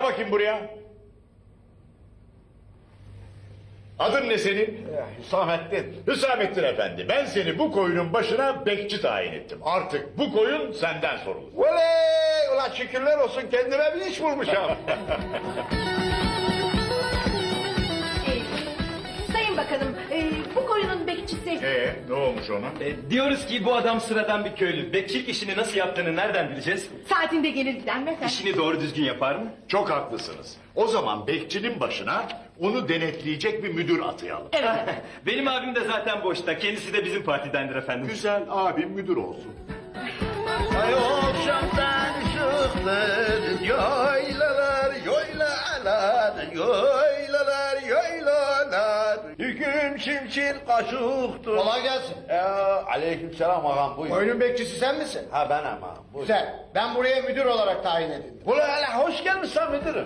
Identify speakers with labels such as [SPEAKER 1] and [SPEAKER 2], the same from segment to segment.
[SPEAKER 1] Bakayım buraya. Adın ne senin?
[SPEAKER 2] Hüsamettin.
[SPEAKER 1] Hüsamettin Efendi. Ben seni bu koyunun başına bekçi tayin ettim. Artık bu koyun senden sorulur.
[SPEAKER 2] Oley! Ulan şükürler olsun kendime bir iş bulmuşum.
[SPEAKER 3] Sayın Bakanım, bu koyunun bekçisi...
[SPEAKER 1] Ne olmuş ona?
[SPEAKER 4] Diyoruz ki bu adam sıradan bir köylü. Bekçilik işini nasıl yaptığını nereden bileceğiz?
[SPEAKER 3] Saatinde gelir gider mi efendim?
[SPEAKER 4] İşini doğru düzgün yapar mı?
[SPEAKER 1] Çok haklısınız. O zaman bekçinin başına onu denetleyecek bir müdür atayalım.
[SPEAKER 4] Benim abim de zaten boşta. Kendisi de bizim partidendir efendim.
[SPEAKER 1] Güzel, abim müdür olsun.
[SPEAKER 2] Ay akşamdan ışıklar, yaylalar, yaylalar, yaylalar, yaylalar. Hüküm çimçil kaşıktır.
[SPEAKER 5] Kolay gelsin.
[SPEAKER 2] Aleykümselam ağam buyur.
[SPEAKER 5] Oyunun bekçisi sen misin?
[SPEAKER 2] Ha ben ağam buyur.
[SPEAKER 5] Güzel. Ben buraya müdür olarak tayin edildim.
[SPEAKER 2] Ulan hele hoş gelmişsin müdürüm.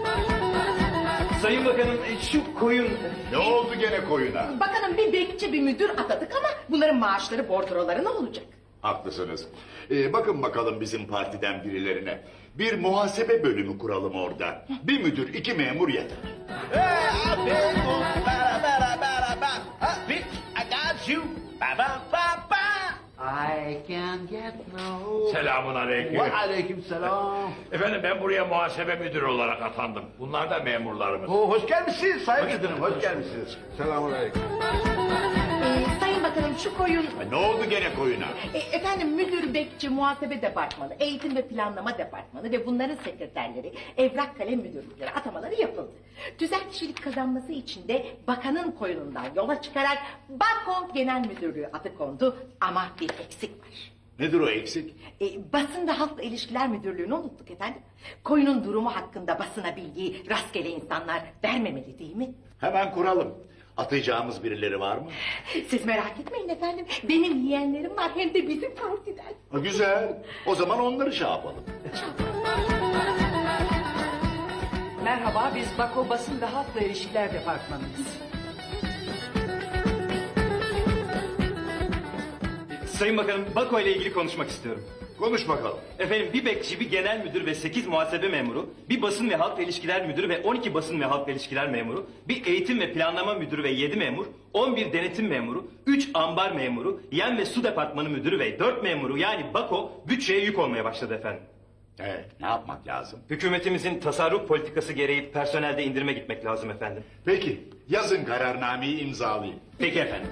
[SPEAKER 4] Sayın Bakanım şu koyun...
[SPEAKER 1] Ne oldu gene koyuna?
[SPEAKER 3] Bakanım bir bekçi bir müdür atadık ama bunların maaşları bordroları ne olacak?
[SPEAKER 1] Haklısınız. Bakın bakalım bizim partiden birilerine. Bir muhasebe bölümü kuralım orada. Bir müdür, 2 memur yeter.
[SPEAKER 2] Abi, bitch, I got you. Ba ba ba ba. I can get no.
[SPEAKER 6] Selamun aleyküm.
[SPEAKER 2] Ve aleykümselam.
[SPEAKER 6] Efendim ben buraya muhasebe müdürü olarak atandım. Bunlar da memurlarımız.
[SPEAKER 2] Hoş gelmişsiniz sayın müdürüm, hoş gelmişsiniz. Selamun aleyküm.
[SPEAKER 3] Sayın Bakanım şu koyun...
[SPEAKER 1] Ne oldu gene koyuna?
[SPEAKER 3] Efendim müdür, bekçi, muhasebe departmanı, eğitim ve planlama departmanı ve bunların sekreterleri, evrak kalem müdürlükleri atamaları yapıldı. Tüzel kişilik kazanması için de bakanın koyunundan yola çıkarak Bako Genel Müdürlüğü adı kondu ama bir eksik var.
[SPEAKER 1] Nedir o eksik?
[SPEAKER 3] Basın ve Halkla İlişkiler Müdürlüğü'nü unuttuk efendim. Koyunun durumu hakkında basına bilgiyi rastgele insanlar vermemeli değil mi?
[SPEAKER 1] Hemen kuralım. Atayacağımız birileri var mı?
[SPEAKER 3] Siz merak etmeyin efendim. Benim yeğenlerim var hem de bizim partiden.
[SPEAKER 1] Güzel. O zaman onları şey yapalım.
[SPEAKER 7] Merhaba, biz Bako Basın ve Halkla İlişkiler Departmanıyız.
[SPEAKER 4] Sayın Bakanım Bako ile ilgili konuşmak istiyorum.
[SPEAKER 1] Konuş bakalım.
[SPEAKER 4] Efendim bir bekçi, bir genel müdür ve 8 muhasebe memuru, bir basın ve halkla ilişkiler müdürü ve 12 basın ve halkla ilişkiler memuru, bir eğitim ve planlama müdürü ve 7 memur, 11 denetim memuru, 3 ambar memuru, yem ve su departmanı müdürü ve 4 memuru yani Bako bütçeye yük olmaya başladı efendim.
[SPEAKER 1] Evet, ne yapmak lazım?
[SPEAKER 4] Hükümetimizin tasarruf politikası gereği personelde indirime gitmek lazım efendim.
[SPEAKER 1] Peki, yazın kararnameyi imzalayayım.
[SPEAKER 4] Peki efendim.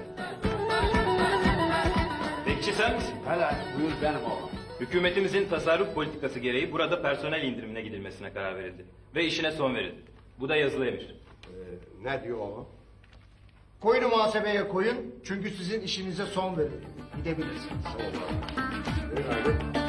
[SPEAKER 4] Bekçi sen misin?
[SPEAKER 2] Hele buyur benim oğlum.
[SPEAKER 4] Hükümetimizin tasarruf politikası gereği burada personel indirimine gidilmesine karar verildi. Ve işine son verildi. Bu da yazılı emir.
[SPEAKER 2] Ne diyor oğlum?
[SPEAKER 5] Koyunu muhasebeye koyun çünkü sizin işinize son verildi. Gidebilirsiniz.
[SPEAKER 2] Buyur abi.